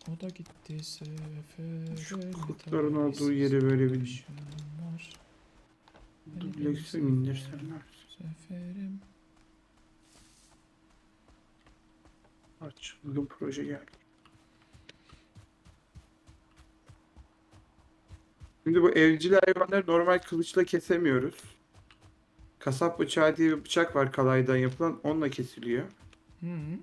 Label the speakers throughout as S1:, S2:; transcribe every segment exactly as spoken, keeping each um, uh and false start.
S1: O da gitti sefere.
S2: Şu kurtların olduğu yeri böyle bir dublekse mi indirsem?
S1: Seferim.
S2: Aç. Bugün proje geldi. Şimdi bu evcil hayvanları normal kılıçla kesemiyoruz. Kasap bıçağı diye bir bıçak var kalaydan yapılan. Onunla kesiliyor.
S1: Hı -hı.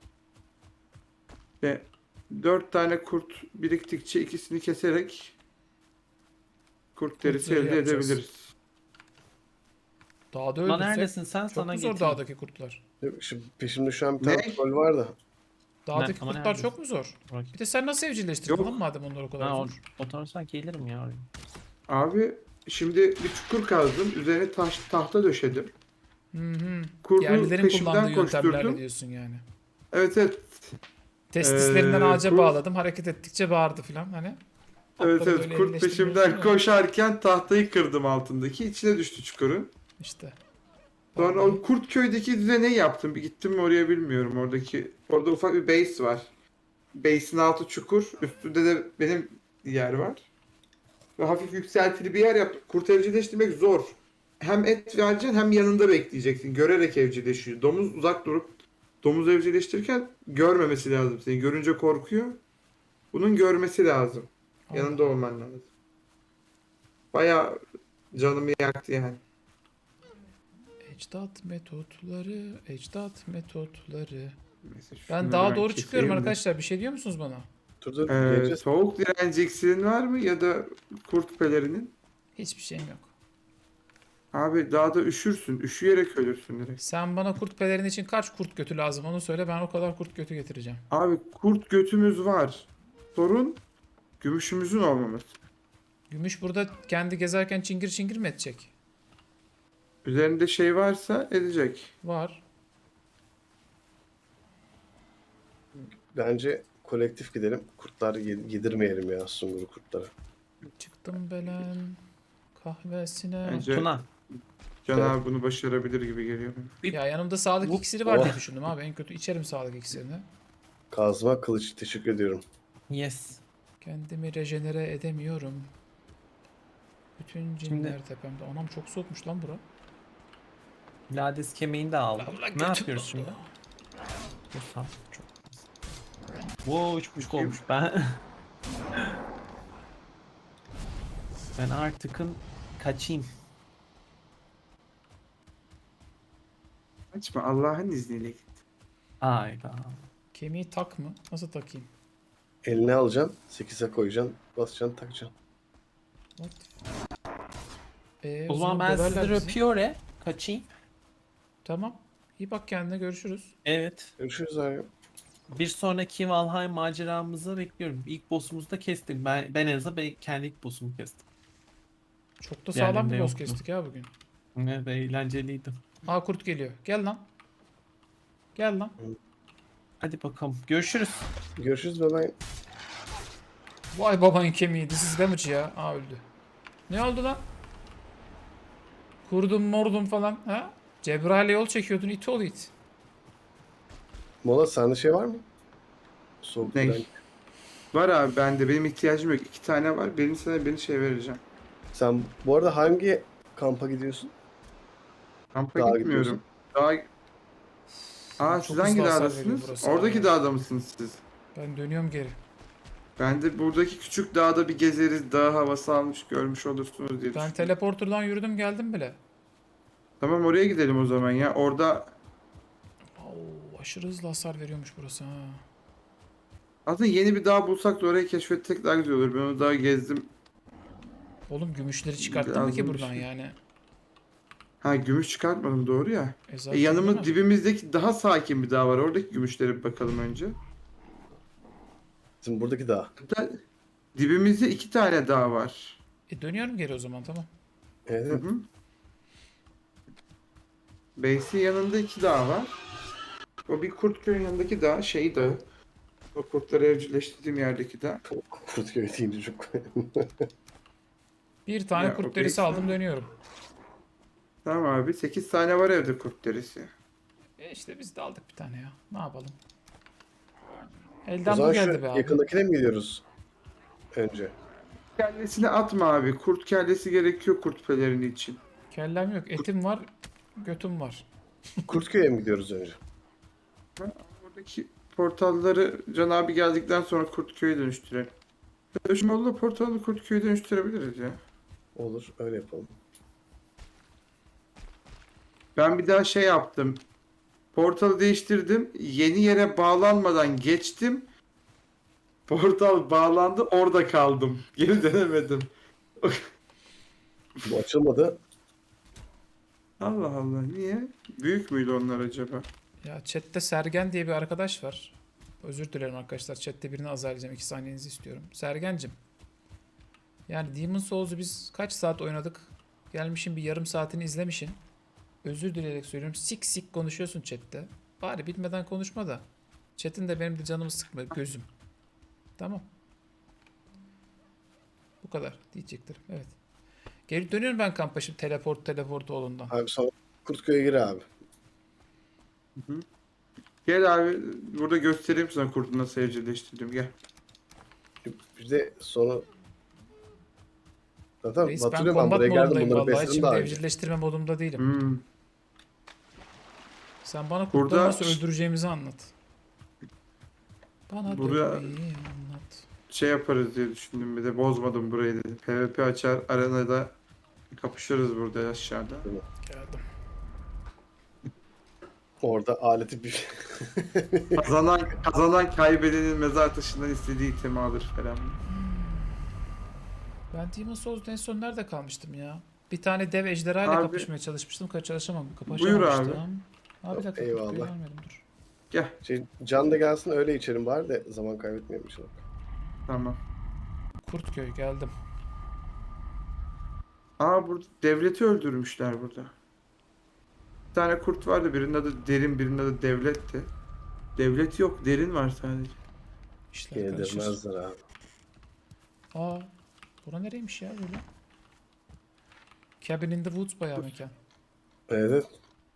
S2: Ve dört tane kurt biriktikçe ikisini keserek kurt derisi
S1: zırhı
S2: elde
S1: yapacağız.
S2: edebiliriz.
S1: Dağda
S3: Ulan
S1: öldürsek
S3: neredesin sen?
S1: çok
S3: Sana
S1: mu zor
S3: getireyim.
S1: dağdaki kurtlar?
S4: Şimdi peşimde şu an bir
S2: Ne?
S4: tane troll var da.
S1: Dağdaki
S3: ama
S1: kurtlar
S3: neredesin?
S1: çok mu zor?
S3: Bak.
S1: Bir de sen nasıl evcilleştirdin
S2: Yok.
S1: lan madem onlar o kadar
S3: Ha, o,
S1: zor?
S3: oturursan gelirim ya oraya.
S2: Abi şimdi bir çukur kazdım. Üzerine taş, tahta döşedim.
S1: Hı hı.
S2: Kurdu
S1: Yerlilerin
S2: peşimden
S1: kullandığı yöntemlerle
S2: koşturdum.
S1: diyorsun yani.
S2: Evet evet.
S1: Testislerinden
S2: Ee,
S1: ağaca
S2: kurt-
S1: bağladım. Hareket ettikçe bağırdı filan hani.
S2: Evet
S1: Atları
S2: evet.
S1: böyle
S2: Kurt
S1: evcilleştirmiyorsun
S2: peşimden
S1: ya.
S2: koşarken tahtayı kırdım altındaki. İçine düştü çukurun.
S1: İşte.
S2: Sonra
S1: Vallahi.
S2: o Kurt köydeki düzene yaptım. Bir gittim mi oraya bilmiyorum. Oradaki orada ufak bir base var. Base'in altı çukur. Üstünde de benim yer var. Ve hafif yükseltili bir yer yaptım. Kurt evcilleştirmek zor. Hem et vereceksin hem yanında bekleyeceksin. Görerek evcilleşiyor. Domuz uzak durup domuz evcilleştirirken görmemesi lazım seni. Görünce korkuyor. Bunun görmesi lazım. Yanında olman lazım. Bayağı canımı yaktı yani.
S1: Ecdat metotları, ecdat metotları.
S2: Neyse,
S1: Ben
S2: şunları
S1: daha doğru
S2: keseyim
S1: çıkıyorum
S2: de.
S1: arkadaşlar. Bir şey diyor musunuz bana?
S4: Dur dur.
S2: Ee,
S4: geleceğiz.
S2: soğuk direnci iksirin var mı ya da kurt pelerinin?
S1: Hiçbir şeyim yok.
S2: Abi dağda üşürsün. Üşüyerek ölürsün direkt.
S1: Sen bana kurt pelerin için kaç kurt götü lazım onu söyle. Ben o kadar kurt götü getireceğim.
S2: Abi kurt götümüz var. Sorun gümüşümüzün olmaması.
S1: Gümüş burada kendi gezerken çingir çingir mi edecek?
S2: Üzerinde şey varsa edecek.
S1: Var.
S4: Bence kolektif gidelim. Kurtlar yedirmeyelim ya sunguru kurtlara.
S1: Çıktım belen kahvesine.
S2: Bence
S3: Tuna.
S2: Can
S4: Evet.
S2: abi bunu başarabilir gibi geliyor.
S1: Ya yanımda sağlık
S4: Bu-
S1: iksiri var diye
S4: Oh.
S1: düşündüm abi. En kötü içerim sağlık iksirini.
S4: Kazma kılıç teşekkür ediyorum.
S3: Yes.
S1: Kendimi rejenere edemiyorum. Bütün cinler tepemde. Anam çok soğukmuş lan bura.
S3: Lades kemiğini de aldım.
S1: Allah
S3: Ne
S1: götüm
S3: yapıyoruz
S1: dondu.
S3: şimdi? Dur sağ çok. Wow üç buçuk olmuş ben. Ben artıkın kaçayım.
S2: Açma Allah'ın izniyle git.
S3: Ayda.
S1: Kemiği tak mı? Nasıl takayım?
S4: Eline alacaksın. sekize koyacaksın. Basacaksın takacaksın.
S1: What? Ee,
S3: O zaman ben
S1: döverler
S3: sizleri
S1: bizi.
S3: öpüyor e. Kaçayım.
S1: Tamam. İyi bak kendine, görüşürüz.
S3: Evet.
S4: Görüşürüz abi.
S3: Bir sonraki Valheim maceramızı bekliyorum. İlk boss'umuzu da kestik. Ben, ben en azından ben kendi ilk boss'umu kestim.
S1: Çok da sağlam
S3: Diğerlerinde
S1: bir boss
S3: yoktu.
S1: kestik ya bugün.
S3: Evet eğlenceliydi.
S1: Aa kurt geliyor. Gel lan. Gel lan.
S3: Hadi bakalım. Görüşürüz.
S4: Görüşürüz bebeğim.
S1: Vay babanın kemiği. This is damage ya. Aa öldü. Ne oldu lan? Kurdum mordum falan. Ha? Cebrail'e yol çekiyordun. İt ol it.
S4: Mola sende şey var mı? Soğuk
S2: Ne?
S4: direnç.
S2: Var abi bende. Benim ihtiyacım yok. İki tane var. Birini sana birini şey vereceğim.
S4: Sen bu arada hangi kampa gidiyorsun?
S2: Kampa
S4: Dağa
S2: gitmiyorum. Daha... Aa
S1: Çok
S2: siz hangi
S1: hızlı hasar veriyor
S2: dağdasınız?
S1: burası
S2: Oradaki
S1: abi.
S2: dağda mısınız siz?
S1: Ben dönüyorum geri.
S2: Ben de buradaki küçük dağda bir gezeriz. Dağ havası almış görmüş olursunuz diye
S1: Ben
S2: düşündüm.
S1: teleporterdan yürüdüm geldim bile.
S2: Tamam oraya gidelim o zaman ya. Orada
S1: Oo, aşırı hızlı hasar veriyormuş burası ha.
S2: aslında yeni bir dağ bulsak da orayı keşfetsek daha güzel olur. Ben o dağı gezdim.
S1: Oğlum gümüşleri çıkarttın mı ki
S2: Lazım bir
S1: buradan
S2: şey.
S1: yani?
S2: Ha gümüş çıkartmadım doğru ya.
S1: E
S2: E,
S1: zaten
S2: yanımız
S1: değil mi?
S2: dibimizdeki daha sakin bir dağ var. Oradaki gümüşlere bir bakalım önce.
S4: Bizim buradaki dağ.
S2: Hatta dibimizde iki tane dağ var.
S1: E dönüyorum geri o zaman tamam.
S4: Evet.
S2: Hı hı. Base'in yanında iki dağ var. O bir Kurtköy'ün yanındaki dağ, şey dağı. O kurtları evcilleştirdiğim yerdeki dağ.
S4: Kurtköy deyince çok.
S1: Bir tane
S2: Ya, o
S1: kurt derisi
S2: base'den-
S1: aldım dönüyorum.
S2: Tamam abi. sekiz tane var evde kurt derisi.
S1: E işte biz de aldık bir tane ya. Ne yapalım?
S4: O
S1: Elden bu
S4: zaman şu
S1: geldi be abi.
S4: yakındakine mi gidiyoruz önce?
S2: Kellesini atma abi. Kurt kellesi gerekiyor kurt pelerini için.
S1: Kellem yok. Etim var. Götüm var.
S4: Kurtköy'e mi gidiyoruz önce?
S2: Ben oradaki portalları Can abi geldikten sonra Kurtköy'e dönüştürelim. Dönüşmeli portalı Kurtköy'e dönüştürebiliriz ya.
S4: Olur, öyle yapalım.
S2: Ben bir daha şey yaptım. Portalı değiştirdim. Yeni yere bağlanmadan geçtim. Portal bağlandı. Orada kaldım. Geri dönemedim.
S4: Bu açılmadı.
S2: Allah Allah. Niye? Büyük müydü onlar acaba?
S1: Ya chatte Sergen diye bir arkadaş var. Özür dilerim arkadaşlar. Chatte birini azarlayacağım. iki saniyenizi istiyorum. Sergencim. Yani Demon's Souls'u biz kaç saat oynadık? Gelmişin bir yarım saatini izlemişin. Özür dileyerek söylüyorum. Sik sik konuşuyorsun chatte. Bari bilmeden konuşma da. Chat'in de benim de canımı sıkma. Gözüm. Tamam. Bu kadar diyecektir. Evet. Geri dönüyorum ben kampa şimdi teleport teleport oğlundan.
S4: Abi sonra Kurtköy'e gir abi.
S2: Gel abi. Burada göstereyim sana kurdu nasıl evcilleştirdim. Gel.
S4: Bir de sonra... Zaten
S1: Reis ben
S4: hatırlıyorum ben
S1: combat
S4: buraya geldim
S1: modundayım
S4: bunları
S1: vallahi.
S4: besledim
S1: Şimdi
S4: daha önce.
S1: evcilleştirme modumda değilim.
S2: Hmm.
S1: Sen bana kurtları
S2: Burada-
S1: nasıl öldüreceğimizi anlat. Bana
S2: Buraya-
S1: dövmeyi anlat.
S2: Şey yaparız diye düşündüm bir de bozmadım burayı dedim. PvP açar arenada kapışırız burada aşağıda.
S1: Geldim.
S4: Orada aleti bir...
S2: Kazanan kazanan kaybedenin mezar taşından istediği itemi alır falan.
S1: Ben Demon's Souls'da en son nerede kalmıştım ya? Bir tane dev ejderhayla
S2: Abi-
S1: kapışmaya çalışmıştım. Ka- Çalışamadım.
S2: Buyur abi.
S1: Kapışamamıştım. Abi bir dakika.
S4: Eyvallah.
S1: Kurtköy gelmedim, dur.
S2: Gel.
S4: Şey, can da gelsin öyle içerim bari de zaman kaybetmeyelim inşallah.
S2: Tamam.
S1: Kurtköy geldim.
S2: Aa burada devleti öldürmüşler burada. Bir tane kurt vardı birinin adı Derin birinin adı Devlet'ti. Devlet yok Derin var sadece.
S1: İşler karışır.
S4: Yedirmezler abi.
S1: Aa, bura nereymiş ya böyle? Cabin in the Woods bayağı mekan.
S4: Evet.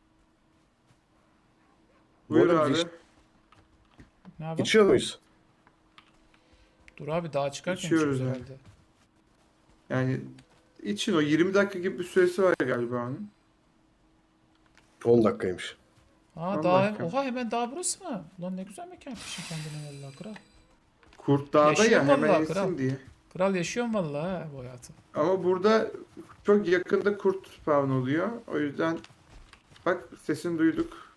S4: Bu
S2: Buyur
S4: arada
S2: abi.
S4: iç-
S1: Ne yapalım?
S4: içiyor muyuz?
S1: Dur abi dağa çıkarken
S2: İçiyoruz
S1: içiyoruz
S2: yani.
S1: herhalde.
S2: Yani için o yirmi dakika gibi bir süresi var galiba onun.
S4: on dakikaymış.
S1: Aa
S2: on
S1: dağ,
S2: dakika.
S1: oha hemen dağ burası mı? Ulan ne güzel mekan yapmışsın kendine vallahi kral.
S2: Kurt dağda
S1: Yaşıyor
S2: ya hemen
S1: vallahi
S2: yesin
S1: kral.
S2: diye.
S1: Kral yaşıyorum vallahi ha bu hayatı.
S2: Ama burada çok yakında kurt spawn oluyor. O yüzden bak sesini duyduk.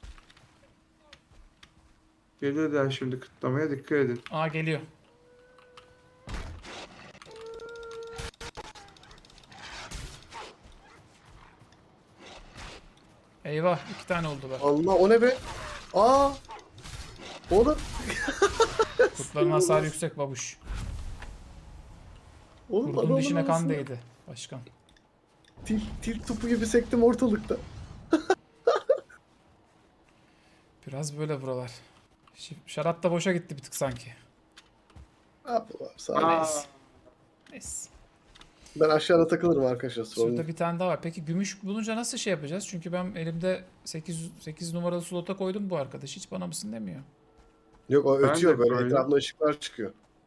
S2: Gelirler şimdi kıtlamaya dikkat edin.
S1: Aa geliyor. Eyvah iki tane oldular.
S4: Allah o ne be? Aa! Oğlum,
S1: Kurtların hasarı yüksek babuş.
S4: oğlum
S1: Kurdun
S4: adamın
S1: dişine kan
S4: arasına
S1: değdi başkan.
S4: Til, til topu gibi sektim ortalıkta.
S1: Biraz böyle buralar. Şi- Şarap da boşa gitti bir tık sanki.
S4: Ne yapalım abi sağ ol.
S2: Aa,
S1: Neyse. Neyse.
S4: Ben aşağıda takılırım arkadaşlar. Sorun
S1: Şurada
S4: değil.
S1: bir tane daha var. Peki gümüş bulunca nasıl şey yapacağız? Çünkü ben elimde sekiz, sekiz numaralı slota koydum bu arkadaş. Hiç bana mısın demiyor.
S4: Yok o
S2: Ben
S4: ötüyor
S2: de
S4: böyle
S2: koydum.
S4: etrafına ışıklar çıkıyor.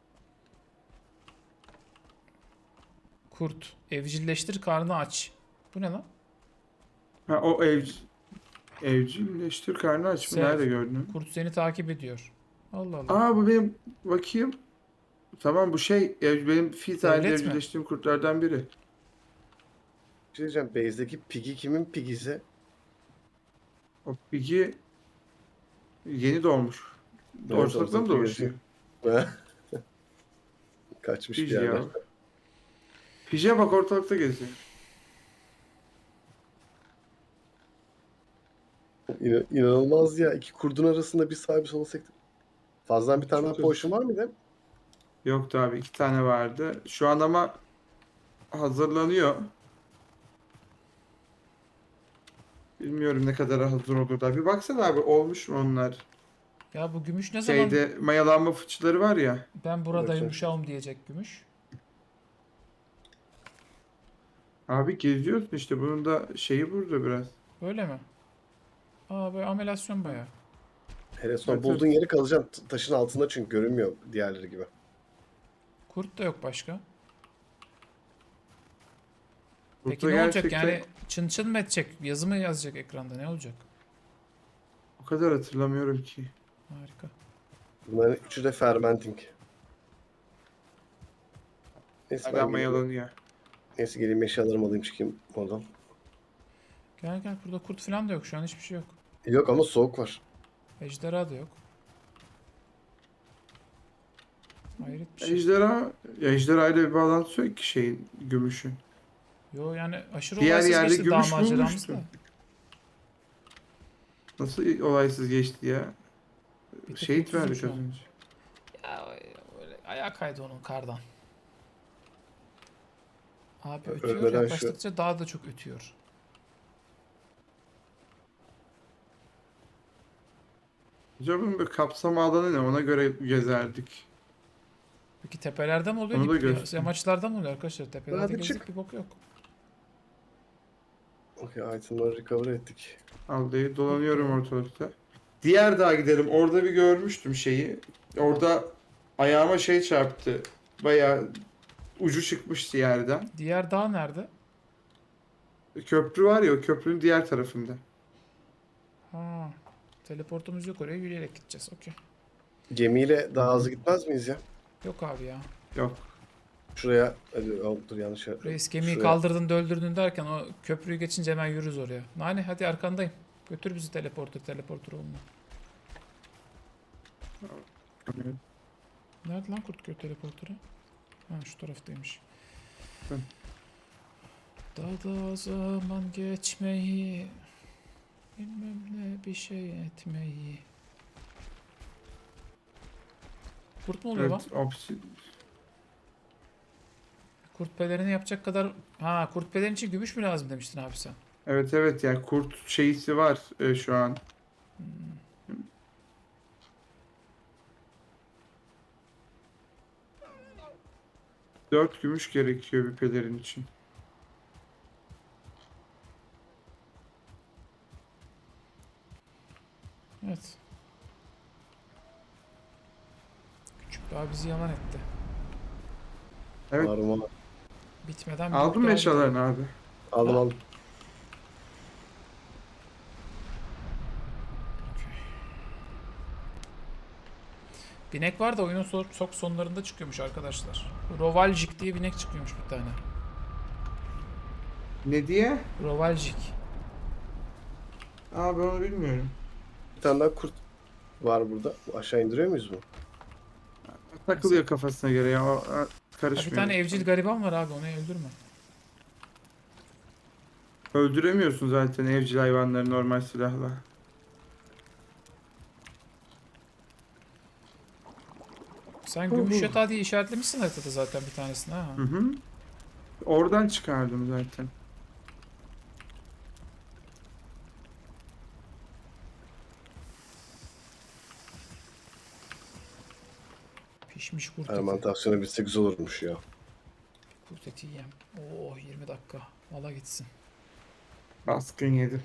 S1: Kurt. Evcilleştir karnı aç. Bu ne lan?
S2: ha, o evci evcilleştir karnı aç mı?
S1: Sev.
S2: Nerede gördün?
S1: Kurt seni takip ediyor. Allah Allah.
S2: Aa bu benim bakayım. Tamam bu şey ev, benim fil halinde
S1: Devlet mi?
S2: evcilleştiğim kurtlardan biri.
S4: Bir şey diyeceğim. Base'deki pigi kimin pigisi?
S2: O pigi yeni doğmuş.
S4: Evet,
S2: Ortalıkta mı
S4: ortalıkta
S2: dolaşıyor?
S4: Kaçmış
S2: Pigi
S4: bir yerden.
S2: ya. Pije bak ortalıkta geziyor.
S4: İna- İnanılmaz ya. İki kurdun arasında bir sağa bir sola sektim. Fazladan bir tane daha
S2: Çok
S4: potion var mıydı?
S2: Yoktu abi iki tane vardı. Şu an ama hazırlanıyor. Bilmiyorum ne kadar hazır olur da. Bir baksana abi olmuş mu onlar?
S1: Ya bu gümüş ne zaman
S2: Şeyde mayalanma fıçıları var ya.
S1: ben burada
S4: Bakacağım.
S1: yumuşağım diyecek gümüş.
S2: Abi geziyorsun işte bunun da şeyi burada biraz.
S1: Böyle mi? Aa böyle amelasyon bayağı.
S4: Hele sonra
S2: Evet,
S4: bulduğun yeri kalacaksın. T- Taşın altında çünkü görünmüyor diğerleri gibi.
S1: Kurt da yok başka. Peki
S2: Burada
S1: ne olacak
S2: gerçekten
S1: yani, çın çın mı edecek? Yazı mı yazacak ekranda, ne olacak?
S2: o kadar hatırlamıyorum ki.
S1: Harika.
S4: Bunların üçü de fermenting. Neyse ben
S2: Hala
S4: geleyim.
S2: mayalanıyor.
S4: Neyse geleyim eşyalarımı alayım çıkayım oradan.
S1: Gel gel, burada kurt falan da yok şu an, hiçbir şey yok.
S4: Yok ama soğuk var.
S1: Ejderha da yok. Hayret bir şey.
S2: Ejderha, ya ejderha ile bir bağlantısı yok ki şeyin, gümüşün.
S1: Yo yani aşırı
S2: Diğer
S1: olaysız
S2: yerde
S1: geçti dağ
S2: gümüş
S1: maceramız
S2: bulmuştu.
S1: da.
S2: Nasıl olaysız geçti ya?
S1: Bir tek
S2: Şehit
S1: mutsuzum
S2: verdik
S1: şu
S2: az
S1: an.
S2: önce.
S1: Ya öyle ayağa kaydı onun kardan. Abi
S4: Ö-
S1: ötüyor,
S4: ölmeden şu-
S1: yaklaştıkça daha da çok ötüyor.
S2: Acaba bir kapsam alanı ne? Ona göre gezerdik.
S1: Peki tepelerde mi oluyor?
S2: Onu da
S1: dip-
S2: göster.
S1: Yamaçlarda mı oluyor arkadaşlar? Tepelerde
S4: Hadi
S1: gezdik
S4: çık.
S1: bir bok yok.
S4: Okey itemları recover ettik.
S2: Aldayı dolanıyorum ortalıkta. Diğer dağa gidelim. Orada bir görmüştüm şeyi. Orada ayağıma şey çarptı. Bayağı ucu çıkmıştı yerden.
S1: Diğer dağ nerede?
S2: Köprü var ya, o köprünün diğer tarafında.
S1: Ha, teleportumuz yok, oraya yürüyerek gideceğiz. Okey.
S4: Gemiyle daha hızlı gitmez miyiz ya?
S1: Yok abi ya.
S2: Yok.
S4: Şuraya hadi oh, dur yanlış yer.
S1: Reis gemiyi
S4: Şuraya-
S1: kaldırdın döldürdün derken o köprüyü geçince hemen yürürüz oraya. Nani hadi arkandayım. Götür bizi teleporter, teleporter olma. Nerede lan Kurtköy teleporteri? Ha şu taraftaymış.
S2: Hı.
S1: Daha da zaman geçmeyi, bilmem ne bir şey etmeyi. Kurt mu oluyor lan?
S2: Evet, opsi-
S1: Kurt pelerini yapacak kadar... Ha, kurt pelerin için gümüş mü lazım demiştin abi sen?
S2: evet evet yani kurt şeysi var e, şu an. Dört gümüş gerekiyor bir pelerin için.
S1: Evet. Küçük daha bizi yalan etti.
S2: Evet.
S4: Var mı?
S1: Bitmeden
S2: Aldın
S1: büyük
S2: mı
S1: daha
S2: eşyalarını abi?
S4: Aldım
S1: Ha.
S4: aldım.
S1: Binek var da oyunun so- çok sonlarında çıkıyormuş arkadaşlar. Rovaljik diye binek çıkıyormuş bir tane.
S2: Ne diye?
S1: Rovaljik.
S2: Aa ben onu bilmiyorum.
S4: Bir tane daha kurt var burada. Aşağı indiriyor muyuz bunu?
S2: Takılıyor kafasına göre ya. O, o,
S1: Ha,
S2: karışmıyor.
S1: bir tane evcil gariban var abi, onu öldürme.
S2: Öldüremiyorsun zaten evcil hayvanları normal silahla.
S1: Sen
S2: Hu
S1: gümüş
S2: hu.
S1: yatağı diye işaretlemişsin haritada zaten bir tanesini ha.
S2: Hı hı. Oradan çıkardım zaten.
S1: Pişmiş kurt eti.
S4: Fermentasyonu bitse güzel olurmuş ya.
S1: Kurt eti yiyem. Oo yirmi dakika. Valla gitsin.
S2: Baskın yedim.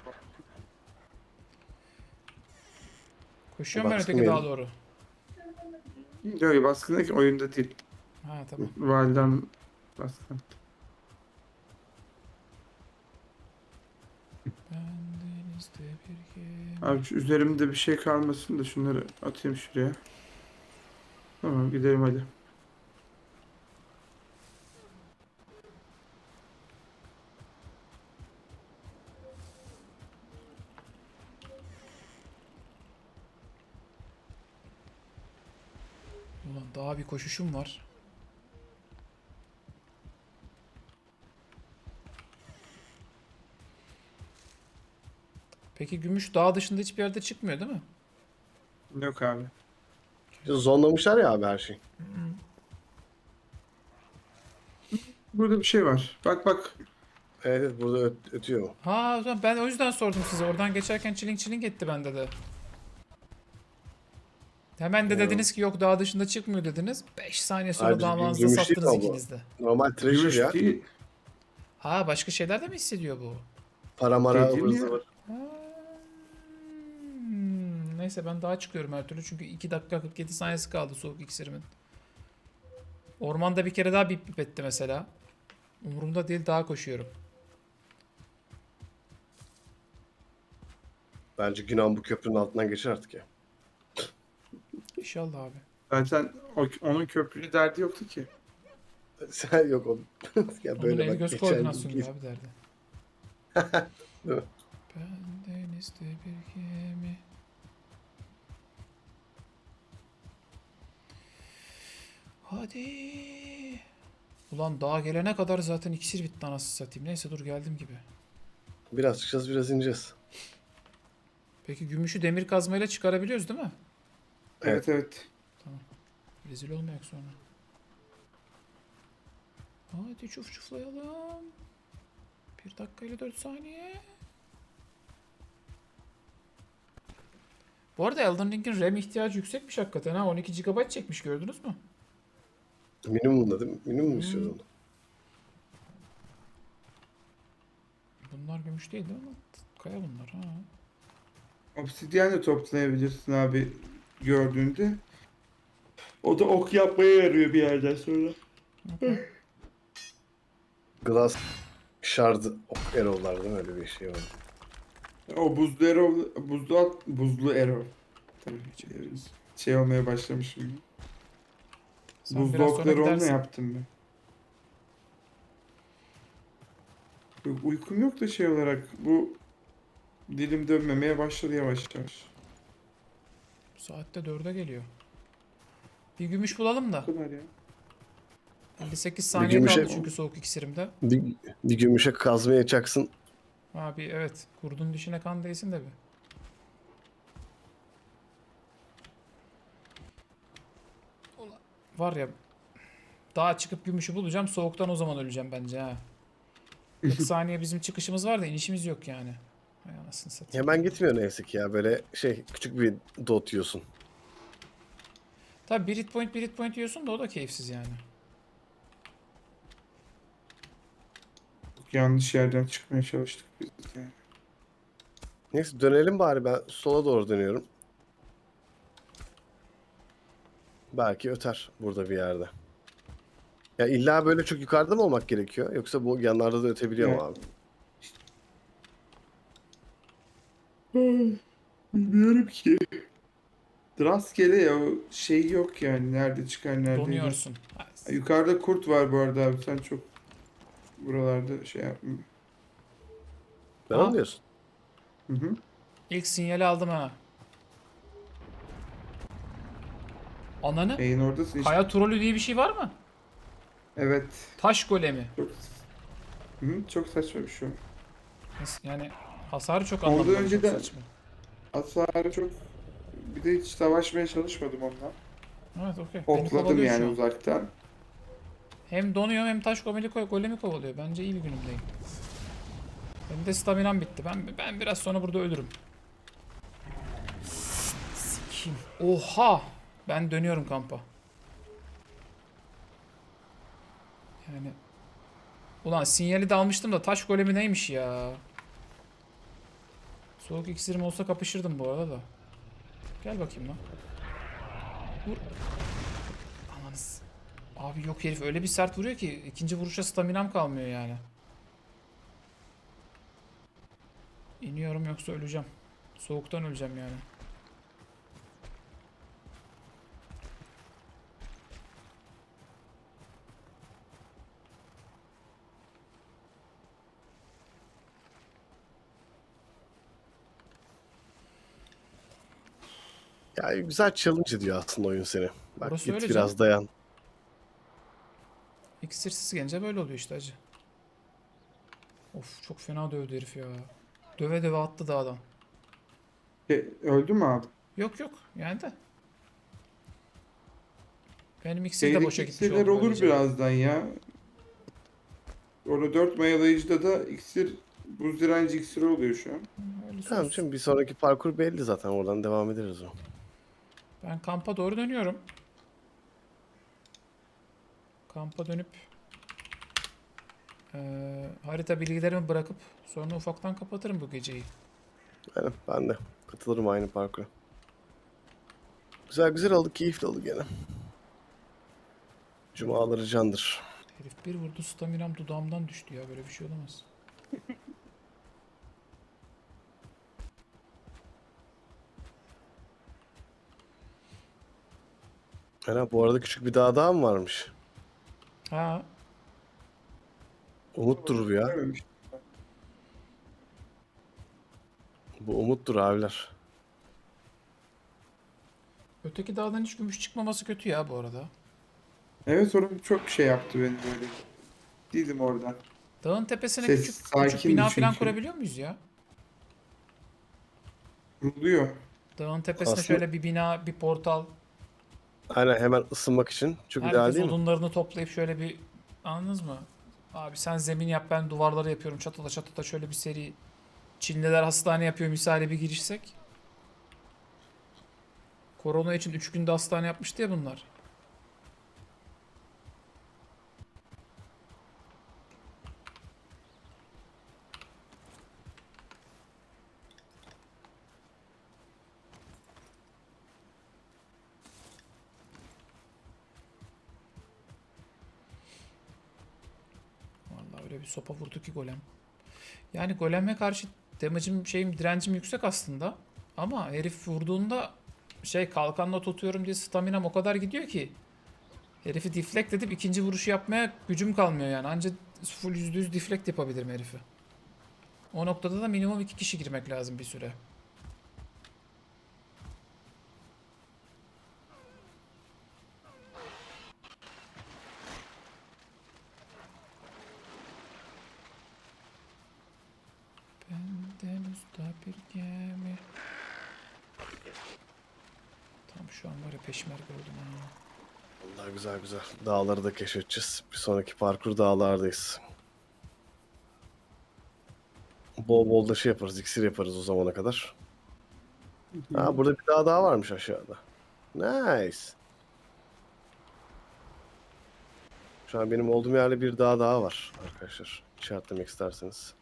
S1: Koşuyorum ben
S4: Baskın
S1: öteki dağa
S4: yedim.
S1: doğru.
S2: Yok baskındaki oyunda değil.
S1: Ha tamam.
S2: Validen baskın.
S1: Ben denizde bir gemi.
S2: Abi şu üzerimde bir şey kalmasın da şunları atayım şuraya. Tamam gidelim hadi.
S1: Ulan daha bir koşuşum var. Peki gümüş dağ dışında hiçbir yerde çıkmıyor değil mi?
S2: Yok abi.
S4: İşte zonlamışlar ya abi her şeyi.
S2: Burada bir şey var. Bak bak.
S4: Evet evet, burada öt- ötüyor.
S1: Ha o zaman ben o yüzden sordum size. Oradan geçerken çiling çiling etti bende de. Hemen de
S4: Ya.
S1: dediniz ki yok dağ dışında çıkmıyor dediniz. beş saniye sonra
S4: Hayır, biz
S1: dağınızda
S4: gümüş değil
S1: sattınız
S4: ama bu.
S1: ikiniz de.
S4: Normal treasure
S2: Gümüş
S4: ya.
S2: değil.
S1: Ha başka şeyler de mi hissediyor bu?
S4: Para mara
S2: Dedim
S4: ıvır
S2: ya.
S4: zıvır.
S1: Hmm, Neyse ben daha çıkıyorum her türlü çünkü iki dakika kırk yedi saniyesi kaldı soğuk iksirimin. Ormanda bir kere daha bip bip etti mesela. Umurumda değil, daha koşuyorum.
S4: Bence Günan bu köprünün altından geçer artık ya.
S1: İnşallah abi.
S2: Zaten o- onun köprülü derdi yoktu ki.
S4: Sen yok oğlum. Ya
S1: Onun
S4: böyle
S1: el
S4: bak
S1: göz
S4: geçen
S1: koordinasyonu
S4: gün-
S1: abi derdi.
S4: Değil mi?
S1: Ben denizde bir gemi. Hadi. Ulan daha gelene kadar zaten iksir bitti anasını satayım. Neyse dur geldim gibi.
S4: Biraz çıkacağız biraz ineceğiz.
S1: Peki gümüşü demir kazmayla çıkarabiliyoruz değil mi?
S2: Evet evet.
S1: Rezil olmayak sonra. Hadi çuf çuflayalım. Bir dakika ile dört saniye. Bu arada Elden Ring'in RAM ihtiyacı yüksekmiş hakikaten ha. on iki gigabayt çekmiş, gördünüz mü?
S4: Minimumda değil mi? Minimum mu istiyordun?
S1: Hmm. Bunlar gümüş değil değil mi? Kaya bunlar ha.
S2: Obsidyen de toplayabilirsin abi gördüğünde. O da ok yapmaya yarıyor bir yerden sonra.
S1: Okey.
S4: Glass Shard Arrow'lar değil mi? Öyle bir şey var.
S2: O buzlu arrow, buzlu at, buzlu arrow. Tabii şey, şey olmaya başlamışım.
S1: Sen
S2: Buzlu
S1: biraz sonra
S2: okları onunla
S1: gidersin.
S2: yaptım ben. Yok, uykum yok da şey olarak bu dilim dönmemeye başladı yavaş yavaş.
S1: Bu saatte dörde geliyor. Bir gümüş bulalım da.
S2: Bu kadar ya.
S1: elli sekiz saniye
S4: gümüşe-
S1: kaldı çünkü soğuk iksirimde.
S4: Bir, bir gümüşe kazmaya çaksın.
S1: Abi evet. Kurdun dişine kan değsin de bir. Ulan, var ya, daha çıkıp gümüşü bulacağım. Soğuktan o zaman öleceğim bence ha. kırk saniye bizim çıkışımız var da inişimiz yok yani. Hay anasını satayım.
S4: Hemen gitmiyor neyse ki ya. Böyle şey küçük bir dot yiyorsun.
S1: Tabii bir hit point bir hit point yiyorsun da o da keyifsiz yani.
S2: Yanlış yerden çıkmaya çalıştık biz de.
S4: Neyse dönelim bari, ben sola doğru dönüyorum. Belki öter burada bir yerde. Ya illa böyle çok yukarıda mı olmak gerekiyor? Yoksa bu yanlarda da ötebiliyor mu abi?
S2: Bilmiyorum ki. Rastgele ya o şey yok yani nerede çıkar nerede.
S1: Donuyorsun.
S2: iner. Yukarıda kurt var bu arada abi sen çok buralarda şey yapma.
S4: Ben
S1: Aa.
S4: onu diyorsun.
S2: Hı hı.
S1: İlk sinyali aldım ha. Ananı.
S2: Neyin oradasın işte.
S1: Kaya trolü diye bir şey var mı?
S2: Evet.
S1: Taş golemi.
S2: Çok, hı hı, çok saçma bir şey. o.
S1: Nasıl- Yani hasarı çok
S2: Ondan
S1: anlamlı.
S2: önce
S1: Çok
S2: de-
S1: saçma.
S2: Hasarı çok bir de hiç savaşmaya çalışmadım onunla.
S1: Evet okey. Beni
S2: Hopladım
S1: kovalıyor şu
S2: yani
S1: an.
S2: uzaktan.
S1: Hem donuyorum hem taş golemi, golemi kovalıyor. Bence iyi bir günümdeyim. Benim de staminam bitti. Ben ben biraz sonra burada ölürüm. Sikim. Oha! Ben dönüyorum kampa. Yani ulan sinyali de almıştım da taş golemi neymiş ya? Soğuk iksirim olsa kapışırdım bu arada da. Gel bakayım lan. Vur. Ananız. Abi yok, herif öyle bir sert vuruyor ki ikinci vuruşa staminam kalmıyor yani. İniyorum yoksa öleceğim. Soğuktan öleceğim yani.
S4: Ya güzel challenge ediyor aslında oyun seni. Bak
S1: Orası
S4: git
S1: öyle
S4: biraz dayan.
S1: İksirsiz gelince böyle oluyor işte acı. Of çok fena dövdü herif ya. Döve döve attı dağdan.
S2: E, öldü mü abi?
S1: Yok yok yani de. Benim iksir de
S2: Şeydeki
S1: boşa gitmiş
S2: iksirler
S1: oldu
S2: olur
S1: böylece.
S2: birazdan ya. Orada dört mayalayıcıda da iksir buz direnci iksiri oluyor şu an.
S1: Öylesi
S4: Tamam
S1: olsun.
S4: şimdi bir sonraki parkur belli zaten, oradan devam ederiz o.
S1: Ben kampa doğru dönüyorum. Kampa dönüp eee, harita bilgilerimi bırakıp sonra ufaktan kapatırım bu geceyi.
S4: Yani ben de katılırım aynı parkura. Güzel güzel oldu, keyifli oldu gene. Cumaları candır.
S1: Herif bir vurdu, staminam dudağımdan düştü ya. Böyle bir şey olamaz.
S4: Ana bu arada küçük bir dağ daha mı varmış?
S1: Ha,
S4: Umuttur bu ya.
S2: Görmemiş.
S4: Bu umuttur abiler.
S1: öteki dağdan hiç gümüş çıkmaması kötü ya bu arada.
S2: Evet, orada çok şey yaptı beni böyle. Değilim oradan.
S1: Dağın tepesine
S2: Ses
S1: küçük, küçük
S2: sakindi
S1: bina falan
S2: çünkü.
S1: kurabiliyor muyuz ya?
S2: Kuruluyor.
S1: Dağın tepesine
S4: Aslında-
S1: şöyle bir bina, bir portal.
S4: Aynen, hemen ısınmak için. Çok ideal
S1: Herkes
S4: değil mi?
S1: odunlarını toplayıp şöyle bir, anladınız mı? Abi sen zemin yap, ben duvarları yapıyorum. Çatıda çatıda şöyle bir seri. Çinliler hastane yapıyor misali bir girişsek. Korona için üç günde hastane yapmıştı ya bunlar. Vallahi öyle bir sopa vurdu ki golem. Yani goleme karşı damage'im şeyim direncim yüksek aslında. Ama herif vurduğunda şey kalkanla tutuyorum diye staminam o kadar gidiyor ki. Herifi deflect edip ikinci vuruşu yapmaya gücüm kalmıyor yani. Anca full yüzde yüz deflect yapabilirim herifi. O noktada da minimum iki kişi girmek lazım bir süre. Benden usta bir gemi. Tam şu an var ya peşmerge oldum ha.
S4: Vallahi güzel güzel. Dağları da keşfedeceğiz. Bir sonraki parkur dağlardayız. Bol bol da şey yaparız, iksir yaparız o zamana kadar. Ha, burada bir dağ daha varmış aşağıda. Nice. Şu an benim olduğum yerde bir dağ daha var arkadaşlar. İşaretlemek isterseniz.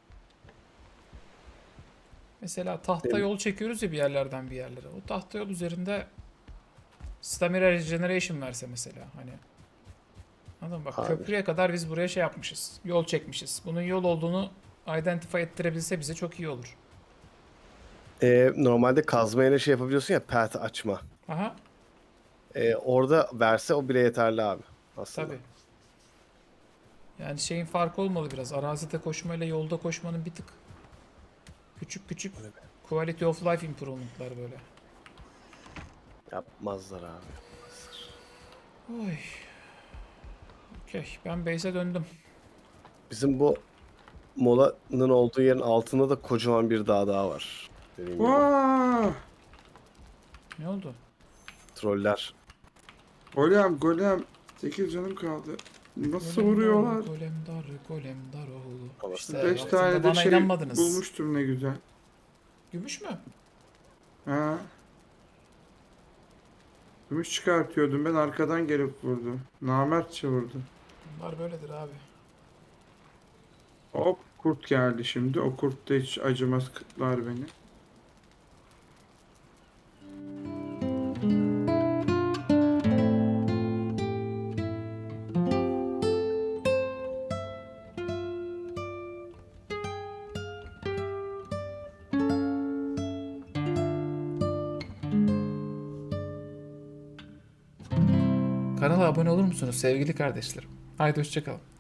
S1: Mesela tahta
S4: Benim-
S1: yol çekiyoruz ya bir yerlerden bir yerlere. O tahta yol üzerinde stamina regeneration verse mesela hani. Anladın mı? Bak
S4: Abi.
S1: köprüye kadar biz buraya şey yapmışız. Yol çekmişiz. Bunun yol olduğunu identify ettirebilse bize çok iyi olur.
S4: Ee, normalde kazmayla şey yapabiliyorsun ya, path açma.
S1: Aha
S4: Ee, orada verse o bile yeterli abi. Aslında.
S1: tabii. Yani şeyin farkı olmalı biraz. Arazide koşmayla yolda koşmanın bir tık küçük küçük quality of life improvement'lar böyle.
S4: Yapmazlar abi. Yapmazlar.
S1: Oy. Okey. Ben base'e döndüm.
S4: Bizim bu molanın olduğu yerin altında da kocaman bir dağ daha var. Dediğim gibi.
S2: Vaa!
S1: Ne oldu?
S4: Troller.
S2: Golem golem. sekiz canım kaldı. Nasıl
S1: Golem
S2: vuruyorlar?
S1: dar, golem dar, golem dar oğlu.
S4: Ama
S1: İşte
S4: beş
S2: beş
S1: vaktinde
S2: tane de
S1: bana
S2: şey
S1: inanmadınız.
S2: bulmuştum ne güzel.
S1: Gümüş mü?
S2: Ha. Gümüş çıkartıyordum ben, arkadan gelip vurdu. Namertçe vurdu.
S1: Bunlar böyledir abi.
S2: Hop, kurt geldi şimdi. O kurt da hiç acımaz, kıtlar beni.
S1: Kanala abone olur musunuz sevgili kardeşlerim? Haydi hoşçakalın.